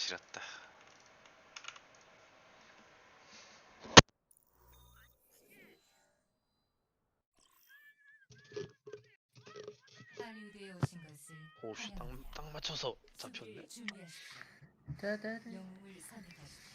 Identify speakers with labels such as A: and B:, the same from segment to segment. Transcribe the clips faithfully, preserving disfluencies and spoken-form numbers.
A: 지렸다.
B: 할리우드에 오신 것을
C: 오씨 딱, 딱 맞춰서 잡혔네.
B: 준비하십시오.
D: 따다다.
B: 영웅을 선택하십시오.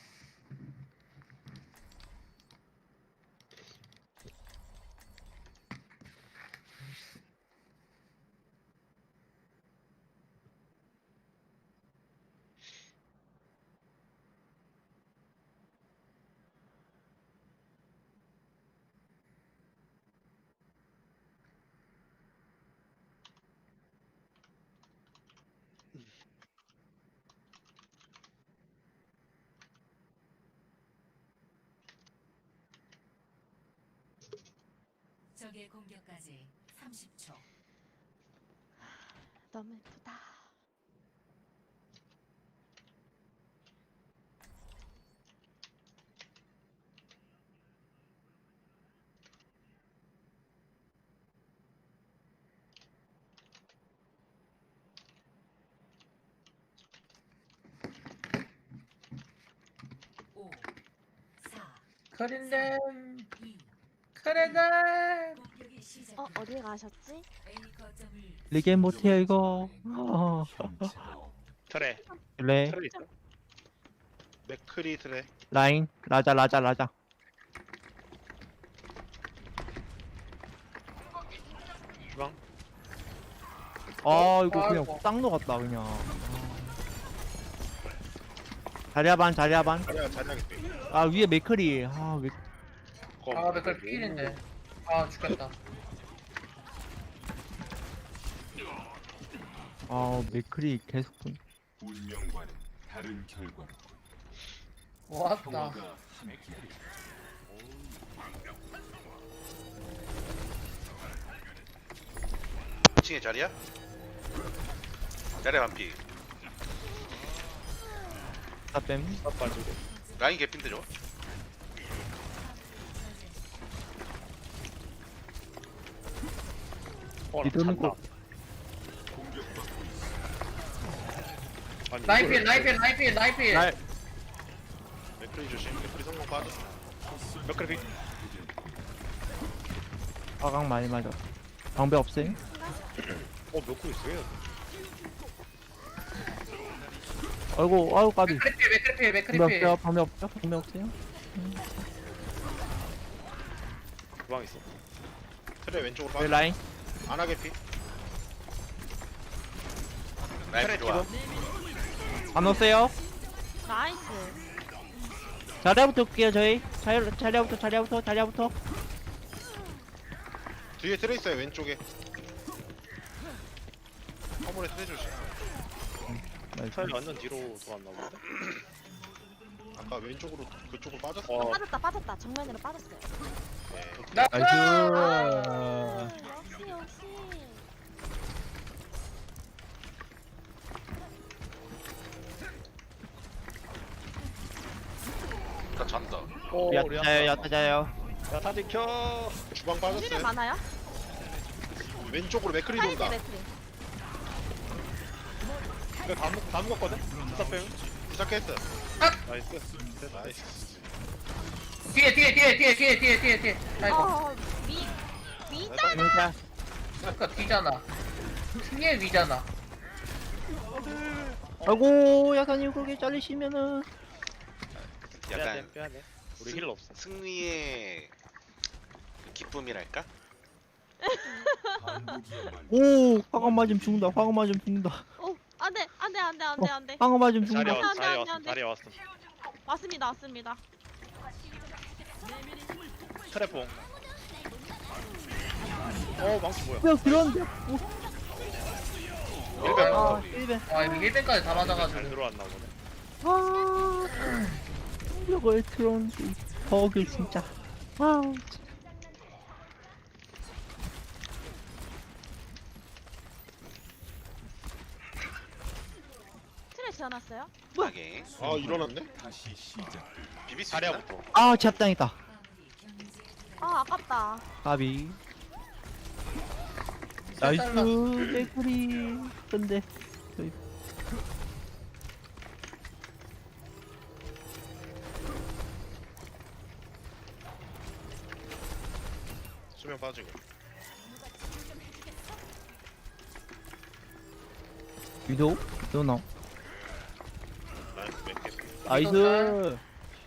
B: 적의 공격까지 삼십 초.
E: 너무 예쁘다.
B: 오, 사,
D: 커린댐
B: 이.
D: 커렌댐.
B: 공격이 시작.
E: 어, 어디 가셨지?
B: A 거점을
F: 리게임 못해요 이거. 어.
C: 트레
F: 그래.
C: 트레 있어. 맥크리 트레.
F: 라인 라자 라자 라자.
C: 주방.
F: 아 이거 그냥
D: 아이고.
F: 딱 녹았다 그냥. 자리야반 자리야반.
C: 자리야 자리하겠대.
F: 아 위에 메커리. 아 왜?
D: 아 맥걸 피일인데. 아 죽겠다.
F: 아 메커리 계속.
G: 운명과는 다른 결과로
D: 왔다.
G: 평화가 함께하리.
A: 이 층에 자리야? 자리야 반피.
F: 땀.
C: 딱 빠지고.
A: 라인 개핀데 저거?
C: 어, 나
F: 이도는
C: 찬다.
F: 꼭-
C: 아니,
D: 라이필
C: 이걸-
D: 라이필 라이필 라이필.
F: 날
C: 맥크리 조심. 맥크리 성공 빠졌어. 맥크리 비.
F: 화강 많이 맞아. 방배 없어요?
C: 어 맥크리 있어요.
F: 아이고 아이고 까비.
D: 맥크리필 맥크리필
F: 방배
D: 맥크리필.
F: 없어요? 방배 없죠? 방배 없어요?
C: 주방 있어. 트레 왼쪽으로
F: 왜
C: 빠져.
F: 라인?
C: 안하게 피.
A: 라인
C: 트레
A: 좋아.
C: 뒤로.
F: 안 오세요?
E: 나이스.
F: 자리야부터 올게요 저희. 자리 자리야부터 자리야부터 자리야부터.
C: 뒤에 트레 있어요 왼쪽에. 화물에 트레 조심. 트레 완전 뒤로 돌았나 본데. 아까 왼쪽으로 그쪽으로 빠졌어. 어.
E: 빠졌다, 빠졌다. 정면으로 빠졌어요.
C: 네.
F: 나이스.
E: 역시, 역시.
A: 나 잔다.
C: 오, 우리
F: 야타자요
C: 아빠.
F: 야타자요.
C: 야타 지켜. 주방
E: 힐이
C: 빠졌어요.
E: 많아요?
C: 왼쪽으로 맥크리
E: 사이드
C: 돈다.
E: 맥크리.
C: 이거 다, 먹, 다 먹었거든? 부사 빼면? 시작했어. 나이스. 나이스.
D: 뒤에 뒤에 뒤에 뒤에 뒤에 뒤에 뒤에 뒤에. 아이고.
E: 어, 위, 위잖아.
F: 진짜.
D: 아까 뒤잖아. 승리의 위잖아.
F: 아이고 야사님 그렇게 잘리시면은.
A: 약간
C: 빼야돼. 우리
A: 승-
C: 힐 없어.
A: 승리의 기쁨이랄까?
G: 반복이야말로
F: 오 화강 맞으면 죽는다. 화강 맞으면 죽는다.
E: 오, 안 돼, 안 돼, 안 돼, 안 돼, 안 돼.
F: 화강 맞으면
C: 자리
F: 죽는다.
C: 왔어.
E: 안 돼,
C: 자리
E: 안 돼,
C: 왔어.
E: 안 돼.
C: 자리 왔어.
E: 왔습니다, 왔습니다.
C: 트래퐁. 어, 망치 뭐야?
F: 뭐야 그런데.
A: 일배
F: 아 일배.
D: 아 이거 일벤까지 다
C: 잘
D: 맞아가지고.
C: 들어왔나 보네.
F: 아 이걸 들어온지 버그 진짜. 아
E: 트레 지어놨어요?
A: 하게.
C: 아, 일어났네?
G: 다시 시작.
A: 비빌 수 있나?
C: 자리야부터.
F: 아 제압당했다.
E: 아, 아깝다.
F: 까비. 나이스 개구리. 근데 저희
C: 수면 빠지고.
F: 위도 위도 나
C: 라인 몇 개.
F: 나이스.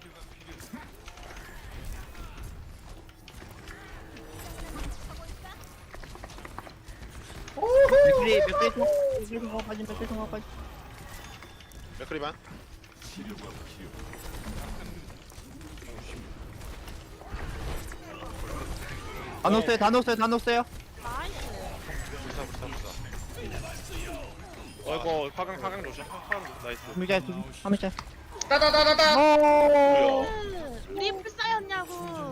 F: 맥크리 맥크리 통 맥크리 통화까지 맥크리 통화까지.
C: 맥크리반.
G: 치료가 필요.
F: 다 넣었어요 다 넣었어요 다 넣었어요.
E: 나이스.
C: 불사 불사 불사. 어이구 화강 화강 조심. 화강 나이스.
F: 두미자 두미자.
D: 따다다다다.
F: 오.
E: 우리 불사였냐고.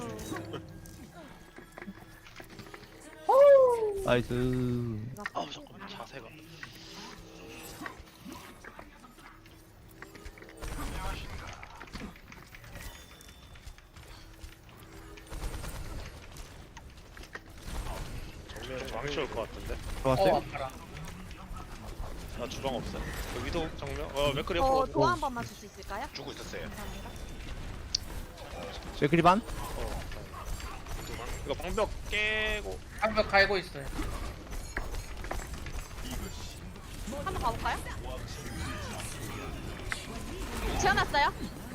F: 나이스.
C: 아우 잠깐만 자세가. 정면 망치 올것 같은데.
F: 좋았어요.
D: 어 아파라.
C: 나 주방 없어. 그 위도 정면. 어 맥크리
E: 저
C: 옆으로.
E: 도와 한 번만 줄 수 있을까요?
A: 주고 있었어요.
E: 감사합니다.
F: 맥크리 반.
C: 어. 이거 방벽 깨고.
D: 방벽 갈고 있어요.
G: 이것이
E: 한번 가볼까요? 지어놨어요?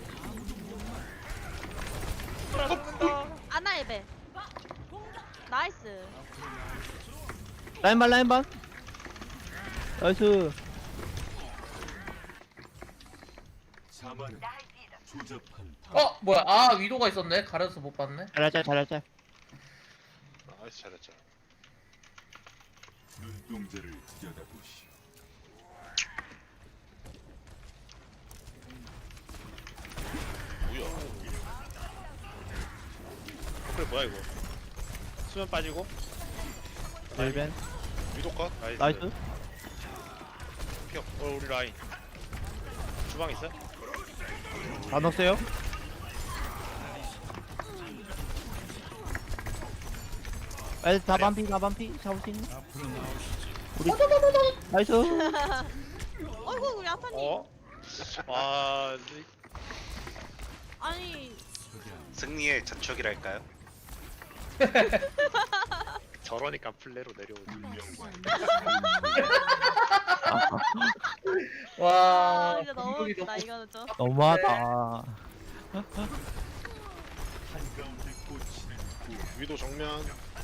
E: 아나에베. 나이스.
F: 라인 반 라인 반. 나이스.
G: 자만은 조잡한 다.
D: 어 뭐야? 아 위도가 있었네. 가려서 못 봤네.
F: 잘하자 잘하자.
C: 나이스 잘했죠.
G: 눈동자를 들여다보시오.
C: 뭐야? 그래 뭐야 이거? 수면 빠지고.
F: 벨벤.
C: 위도 컷. 나이스.
F: 나이스.
C: 피어. 어 우리 라인. 주방 있어?
F: 다 넣었어요. 나이스 다 반피 다 반피 잡을 수 있니? 우리 나이스.
E: 어이구 우리 아타님.
C: 어? 와.
E: 아니
A: 승리의 저촉이랄까요?
C: 저러니까 플레로 내려오지.
G: 운명과
D: 와.
E: 아, 이제 너무
D: 공격이
E: 웃기다
D: 너무-
E: 이거는 좀.
F: 너무하다.
G: 한가운데 꽂히는 구.
C: 위도 정면.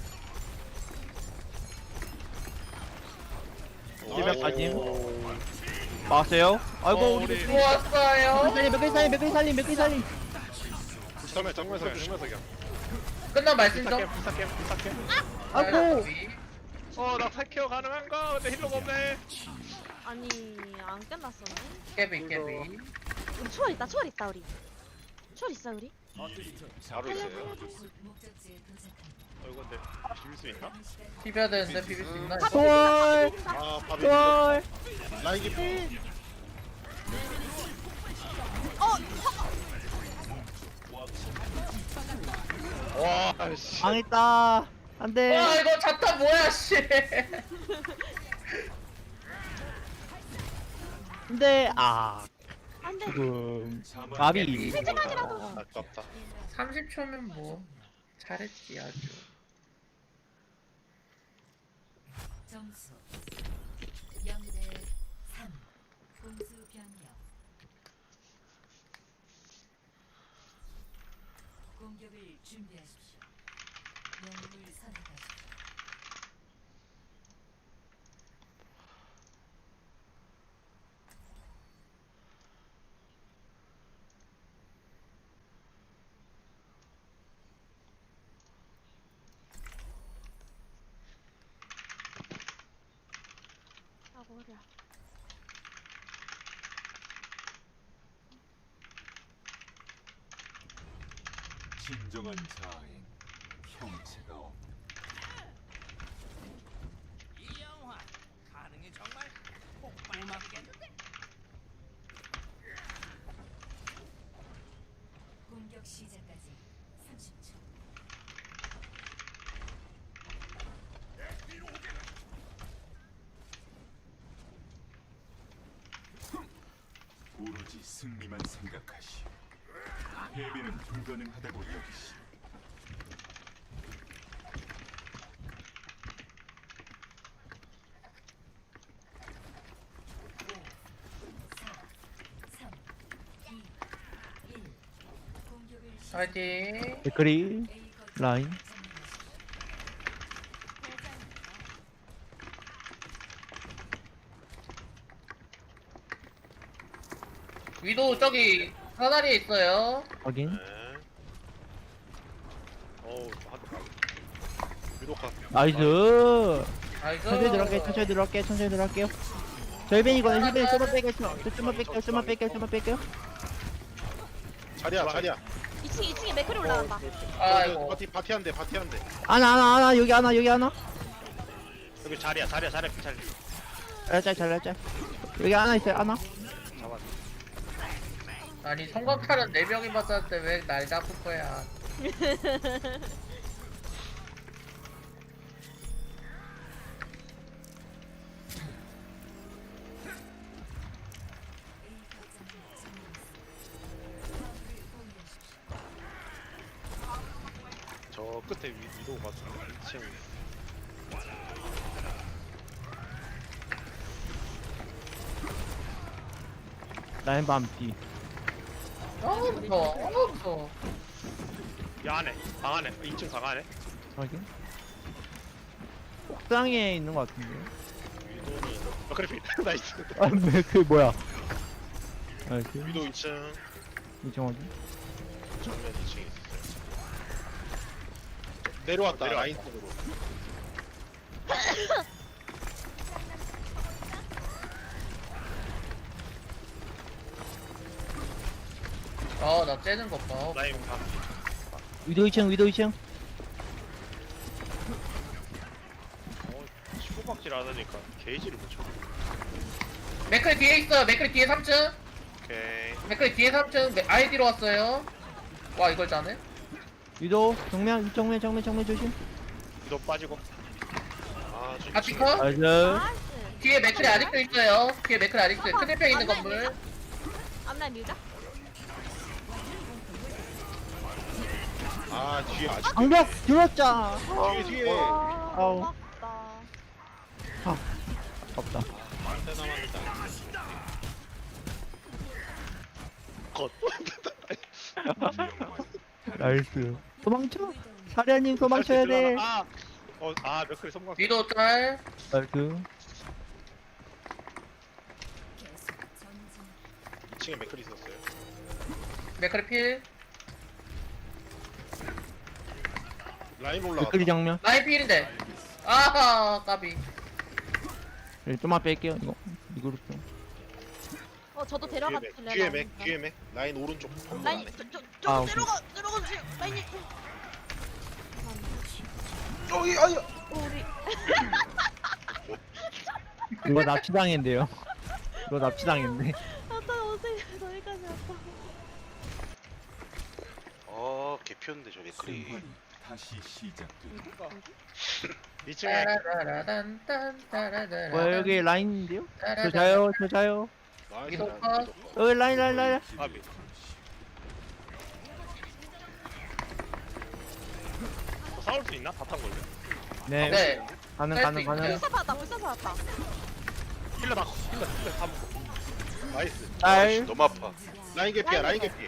F: 일백까지.
C: 오.
F: 막았어요. 아이고
C: 어,
F: 우리
C: 우리-
F: 맥크리
D: 좋았어요.
F: 살림 맥크리 살림 맥크리 살림 맥크리 살림.
C: 정면 정면 석 정면 석이야.
D: 끝난 말씀 좀.
C: 불사캠 불사캠 불사캠.
F: 아이고.
C: 어나 탈케어 가능한가? 근데 힐러가 없네.
E: 아니 안 끝났었네.
D: 깨비 깨비.
E: 우리 초월 있다 초월 있다 우리. 초월 있어 우리.
A: 바로 있어요.
B: 곧 목적지에 도착합니다.
C: 어 이거 근데 비빌 수 있나?
D: 비벼야 되는데 비빌 수 있나?
E: 다
F: 초월
C: 아 밥이.
F: 초월.
C: 라인 깊이. 와 씨.
F: 망했다. 안돼.
D: 와 이거 자타 뭐야 씨.
F: 근데 아
E: 안돼.
F: 지금
G: 자만
F: 가비.
C: 아깝다.
D: 삼십 초면 뭐 잘했지 아주.
B: 점수 영 대 삼. 공수 변경. 공격을 준비하십시오. 영웅을 선택하십시오.
E: 아 머리야.
G: 진정한 자아엔 형체가 없다.
B: 공격 시작까지 삼십 초.
G: 오로지 승리만 생각하시오. 패배는 불가능하다고 여기시오.
D: 파이팅.
F: 맥크리 라인.
D: 위도 저기 사다리에 있어요.
F: 확인.
C: 네. 어우 한대 가. 위도카.
F: 나이스.
D: 나이스.
F: 천천히 들어갈게, 천천히 들어갈게, 천천히 들어갈게요. 절벤이거든, 힐벤 좀만 뺄게요, 좀만 뺄게요, 좀만 뺄게요, 좀만 뺄게요.
C: 자리야 자리야.
E: 이 층 이 층에 맥클이 올라간다.
D: 아이고.
C: 바티 바티 한대 바티 한대.
F: 하나, 하나, 하나, 여기 하나, 여기 하나.
C: 여기 자리야 자리야 자리야 자리.
F: 잘잘, 잘잘. 여기 하나 있어요, 하나.
C: 잡았.
D: 아니 성광탄은 네 명이 맞았는데 왜 날 잡을 거야?
C: 저 끝에 위, 위도가 이 층.
F: 라인 밤뒤.
D: 너무 무서워. 너무 무서워.
C: 이 안에 방 안에 이 층 방 안에.
F: 확인. 옥상에 있는 것 같은데.
C: 위도는. 어 그래 피. 나이스.
F: 아, 왜, 그 뭐야. 나이스.
C: 위도 이 층.
F: 이층 확인.
C: 정면 이 층에 있어요. 내려왔다
A: 내려왔다.
C: 라인 쪽으로.
D: 아나 째는 것 봐.
C: 라인 방.
F: 위도 이층, 위도 이층.
C: 어 치고박질 안 하니까 게이지를 못 쳐.
D: 맥클 뒤에 있어. 맥클 뒤에 삼 층.
C: 오케이.
D: 맥클 뒤에 삼 층. 아이디로 왔어요. 와 이걸 짜네.
F: 위도 정면, 정면, 정면, 정면 조심.
C: 위도 빠지고. 아 저.
D: 같이 커?
F: 나이스.
E: 나이스.
D: 뒤에 맥클이 아직도 있어요. 뒤에 맥클 아직도 있어요. 큰일병 있는 건물.
E: 앞날 밀자.
C: 아 뒤에 아직.
F: 방벽 들었자.
C: 뒤에 뒤에.
E: 와,
F: 아우.
E: 아깝다.
F: 없다.
C: 한대 남았다. 컷.
F: 나이스. 도망쳐. 사련님 도망쳐야 돼.
C: 아. 어, 아, 몇 그리 성공.
D: 위도 짤.
F: 나이스.
B: 계속 전진.
C: 이 층에 맥클이 있었어요.
D: 맥클 필.
C: 라인 올라가.
F: 댓글이 정면.
D: 라인 필인데. 아하 까비.
F: 네, 좀만 뺄게요. 이거 이거로 좀.
E: 어 저도
C: 뒤에
E: 데려가
C: 맥,
E: 줄래요?
C: 뒤에 맥, 뒤에 맥. 라인 오른쪽. 건물
E: 라인
C: 안에.
E: 저저
F: 아,
E: 저
F: 오케이.
E: 내려가 내려가 주세요. 라인이.
C: 어이, 아유.
E: 어, 우리
F: 이거 납치당했는데요. 이거 납치당했네.
E: 아따 오세요. 저기까지 왔다.
A: 어 개피였는데 저 맥크리.
G: 순환이 다시 시작된다.
C: 이 층에
D: 따라라란 딴 따라라란.
F: 뭐야 여기 라인인데요? 저
D: 따라라란.
F: 자요, 저 자요.
C: 나이스.
D: 위도
C: 라인,
D: 컷.
C: 위도 컷.
F: 여기 라인, 라인, 라인.
C: 아비. 어, 싸울 수 있나? 바탕 걸려.
F: 네.
D: 네.
F: 가능,
D: 할
F: 가능,
D: 수
F: 가능.
D: 있어요.
E: 불사 받았다. 불사 받았다.
C: 힐러 다, 힐러, 힐러 다 먹고. 나이스.
F: 짤.
A: 너무 아파.
C: 라인 개피야, 라인 개피.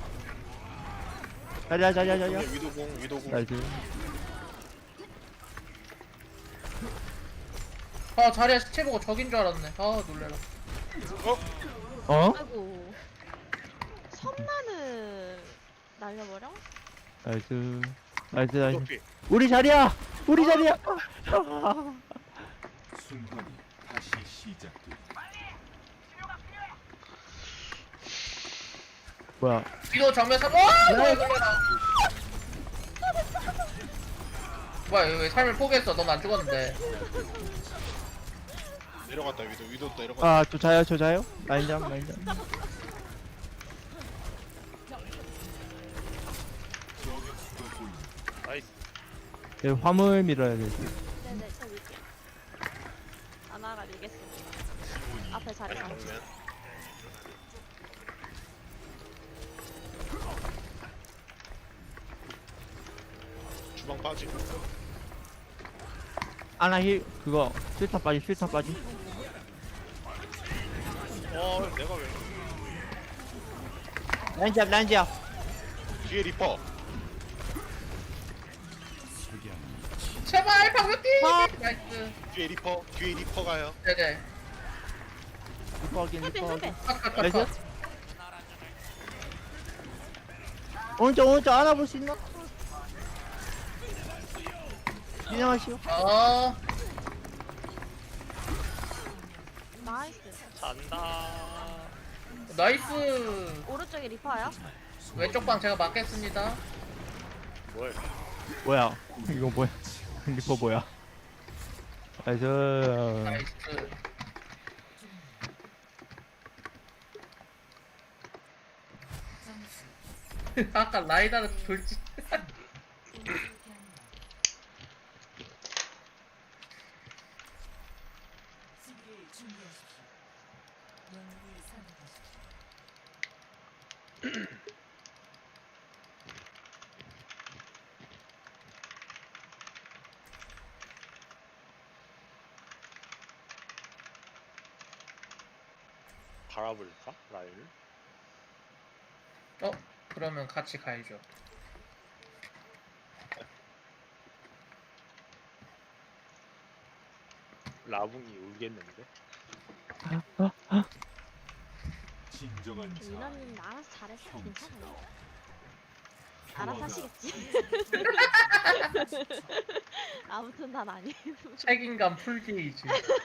F: 자리야, 자리야, 자리야.
C: 위도공, 위도공.
F: 나이스.
D: 아 자리에 시체 보고 적인 줄 알았네. 아 놀래라.
F: 어?
E: 아이고. 섬나는 날려버려?
F: 나이스. 나이스, 나이스.
C: 위도피.
F: 우리 자리야! 우리 자리야!
G: 순환이 다시 시작된다.
F: 뭐야.
D: 위도 정면 삼. 와 뭐야 놀래라. 뭐야 왜 삶을 포기했어? 넌 안 죽었는데.
C: 내려갔다, 위도, 위도 내려갔다.
F: 아, 저 자요, 저 자요? 라인잠, 라인잠.
C: 나이스.
F: 여기 화물 밀어야 돼.
E: 네네 저 밀게요. 아나가 밀겠습니다. 앞에 자리
C: 라인
E: 가.
C: 정면. 주방 빠지고.
F: 아나 힐, 그거, 실탄 빠지, 실탄 빠지.
C: 어, 내가 왜?
F: 라인잡, 라인잡.
C: 뒤에 리퍼.
D: 제발 방금 뛰.
F: 아.
D: 나이스.
C: 뒤에 리퍼. 뒤에 리퍼 가요.
D: 네네.
F: 리퍼 확인
E: 헬벤
F: 리퍼 확인
E: 헬벤.
F: 나이스
D: 컷컷컷.
F: 오른쪽 오른쪽 알아볼 수 있나? 진행하시오
D: 어.
E: 나이스.
C: 잔다.
D: 나이스.
E: 오른쪽에 리퍼야.
D: 왼쪽 방 제가 막겠습니다.
C: 뭘?
F: 뭐야 이거 뭐야 리퍼 뭐야 나이스
D: 나이스. 아까 라이다를 돌지.
B: 수비를 준비하십시오. 영웅을 선택하십시오.
C: 갈아버릴까? 라인을?
D: 어? 그러면 같이 가야죠.
C: 라붕이 울겠는데?
G: 진정한 자
E: 민원님 알아서 잘했어. 괜찮아요. 알아서 하시겠지. 아무튼 난 아니에요.
D: 책임감 풀게이지.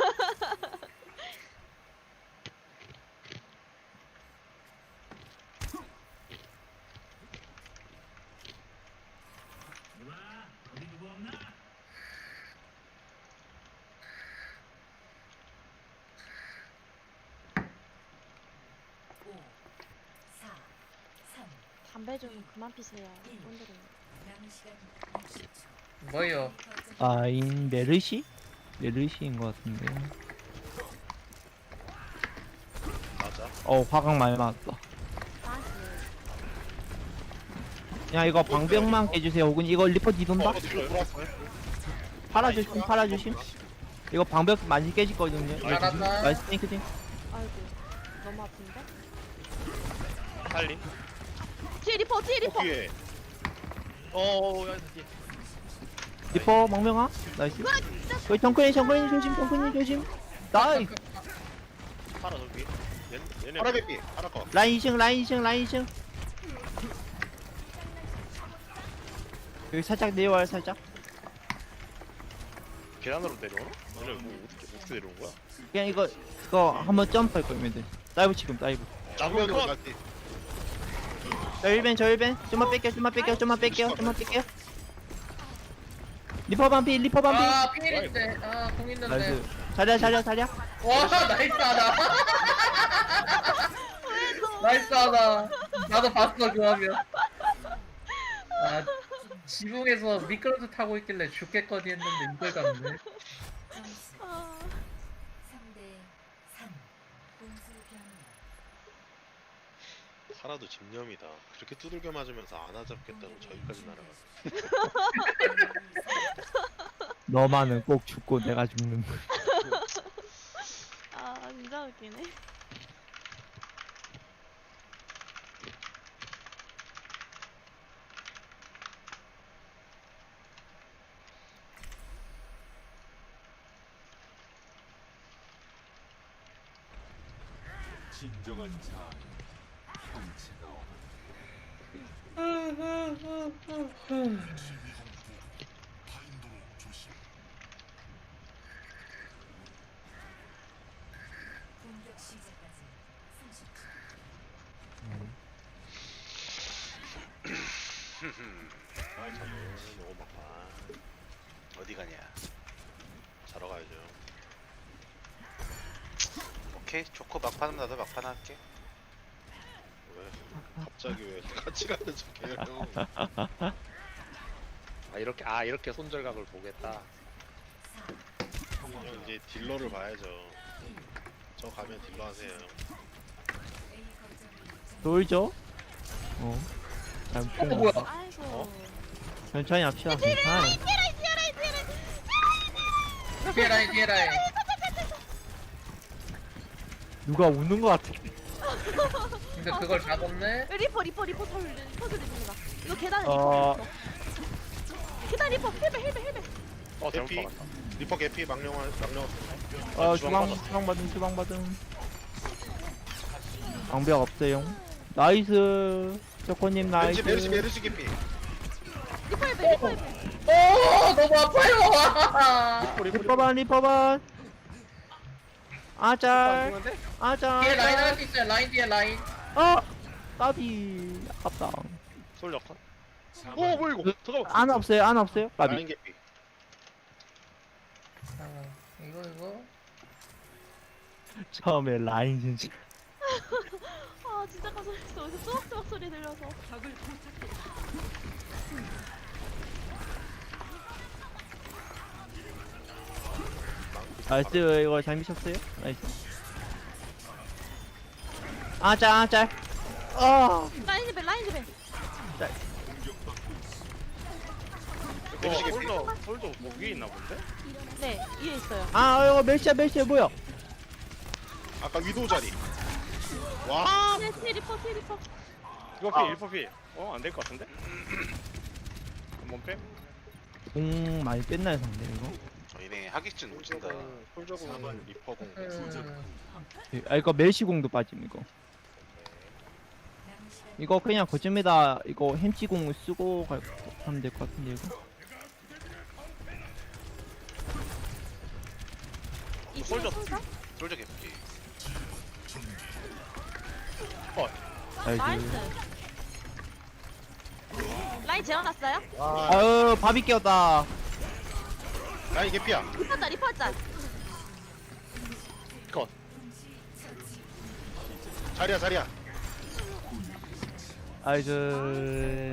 B: 오, 사, 삼,
E: 담배 좀 그만 피세요. 오늘은.
B: 남은 시간 육십 초.
D: 뭐요?
F: 아인 메르시? 메르시인 것 같은데
C: 맞아.
F: 어 화강 많이 맞았다
E: 나이스.
F: 야 이거 방벽만 깨주세요 혹은 이거 리퍼 뒤돈다?
C: 어, 뒤로 돌았어요.
F: 팔아주심 팔아주심 이거 방벽 많이 깨질거든요
D: 알았다.
F: 나이스 탱크팅
E: 아이고. 너무 아픈데?
C: 살림.
E: 뒤에 리퍼 뒤에 리퍼.
C: 뒤에. 어, 야, 뒤에.
F: 리퍼 망명아 나이스 여기 정크님 정크님 조심 정크님 조심 나이스
C: 파라 저기. 얘, 얘네. 파라 개피. 파라 거.
F: 라인 이층 라인 이층 라인 이층 여기 살짝 내려와요 살짝
C: 계단으로 내려오나? 얘네 뭐 어떻게 어떻게 내려온 거야?
F: 그냥 이거 그거 한번 점프할 거면 돼 다이브 지금 다이브
C: 나무면으로 갔지.
F: 저 일 벤 저 일 벤 좀만 뺄게요 좀만 뺄게요 좀만 뺄게요 좀만 뺄게요 리퍼 반피 리퍼 반피
D: 아 필인데. 아공 있는데.
F: 나이스 자리야 자리야 자리야
D: 와 나이스하다. 나이스하다. 나도 봤어 그 화면. 아 지붕에서 미끄러져 타고 있길래 죽겠거니 했는데 이걸 갔네.
B: 점수
E: 아,
B: 삼 대 삼. 공수 변경.
C: 파라도 집념이다. 그렇게 두들겨 맞으면서 안 하잡겠다고 저기까지 날아갔어.
F: 너만은 꼭 죽고 내가 죽는
E: 아 진짜 웃기네.
G: 진정한 자 형체가 없다.
B: 공격 시작까지 삼십 초.
C: 아, 참, 너무 막아.
A: 어디 가냐?
C: 자러 가야죠.
A: 오케이 좋고 막판 나도 막판 할게.
C: 왜? 갑자기 왜 같이 가는 척해요? 아 이렇게 아 이렇게 손절각을 보겠다. 형 이제 딜러를 봐야죠. 저 가면 딜러 하세요.
B: A 거점을
F: 놀죠? 어
D: 어
F: 잘못
D: 뭐야?
E: 아이고.
C: 어?
F: 천천히 합시다 괜찮아요
D: 뒤에 라인 뒤에 라인.
F: 누가 우는 거 같아
D: 근데 그걸 잡았네.
E: 리퍼 리퍼 리퍼 털 리퍼 들이는다. 이거 계단에
F: 어.
E: 리퍼 있어. 계단 리퍼 힐베 힐베 힐베.
C: 어 잘못 개피. 박았다.
G: 리퍼 개피 망령한 망령.
F: 어
C: 주방
F: 주방 주방 받음 주방 받음. 방벽 없어요. 나이스. 조코님
G: 메르시 메르시
F: 나이스.
G: 메르시 개피.
E: 리퍼 힐베 리퍼 힐베.
D: 오 너무 아파요.
F: 리퍼반 리퍼반. 아잘
C: 죽는데?
D: 뒤에
F: 아잘.
D: 라인 할 수 있어요. 라인 뒤에 라인.
F: 어 까비 아깝다.
C: 솔져 컷. 오 뭐야 이거? 잠깐만.
F: 안 없어요 안 없어요 까비.
G: 라인 개피.
D: 아, 이거 이거.
F: 처음에 라인 진짜.
E: 아 진짜 깜짝 놀랐어. 여기서 쏘박쏘박 소리 들려서.
F: 나이스 이거 잘 미쳤어요. 나이스. 아짤 아짤. 아
E: 라인 힐베 라인 힐베.
G: 메르시
C: 어,
G: 개피.
C: 솔져 솔져 뭐 위에 있나 본데?
E: 네 위에 있어요.
F: 아 이거 멜시야 멜시야 뭐야?
G: 아까 위도 자리. 와.
E: 네 뒤에 리퍼 뒤에 리퍼.
C: 이거 피 일퍼 피. 어안 될 것 같은데? 한번 빼.
F: 공 많이 뺐나요 상대 이거?
A: 저희네 하객진 오진다.
C: 솔저공 리퍼공.
D: 음,
F: 아 이거 멜시공도 빠짐 이거.
B: 남은 시간
F: 이거 그냥 거짓니다. 이거 햄찌공을 쓰고 갈, 하면 될 것 같은데 이거.
E: 이승
C: 솔져.
E: 솔져.
A: 솔저 개피.
F: 나이스.
E: 나이스. 라인 재워놨어요?
F: 아유 밥이 깨었다.
G: 라인 개피야.
E: 리퍼다 리퍼자.
C: 컷.
G: 자리야 자리야.
F: 나이스.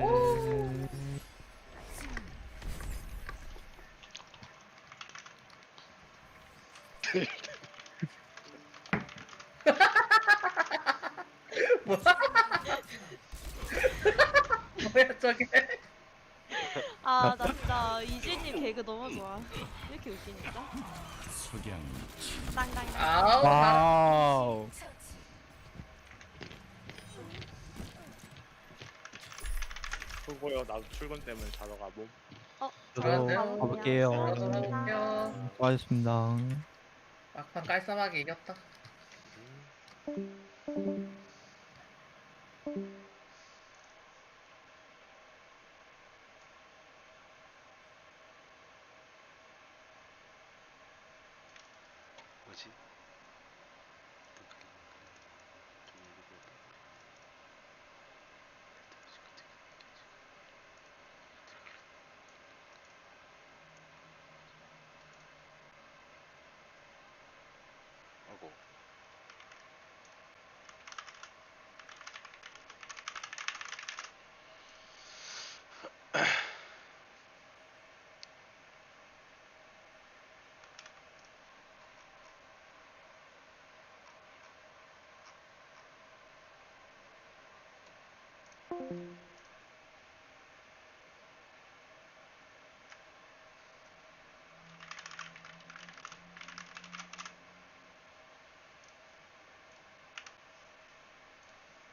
D: 뭐야 저게?
E: 아 나 진짜 이진님 개그 너무 좋아. 왜 이렇게 웃기니까?
G: 석양.
E: 땅땅땅.
D: 아우. 다-
F: 와우.
C: 수고요. 나도 출근 때문에 자러 가. 몸.
F: 저도
D: 안녕하세요.
F: 가볼게요.
D: 돌아가볼게요.
F: 수고하셨습니다.
D: 막판 깔쌈하게 이겼다.
A: 뭐지? 아이고.
B: 점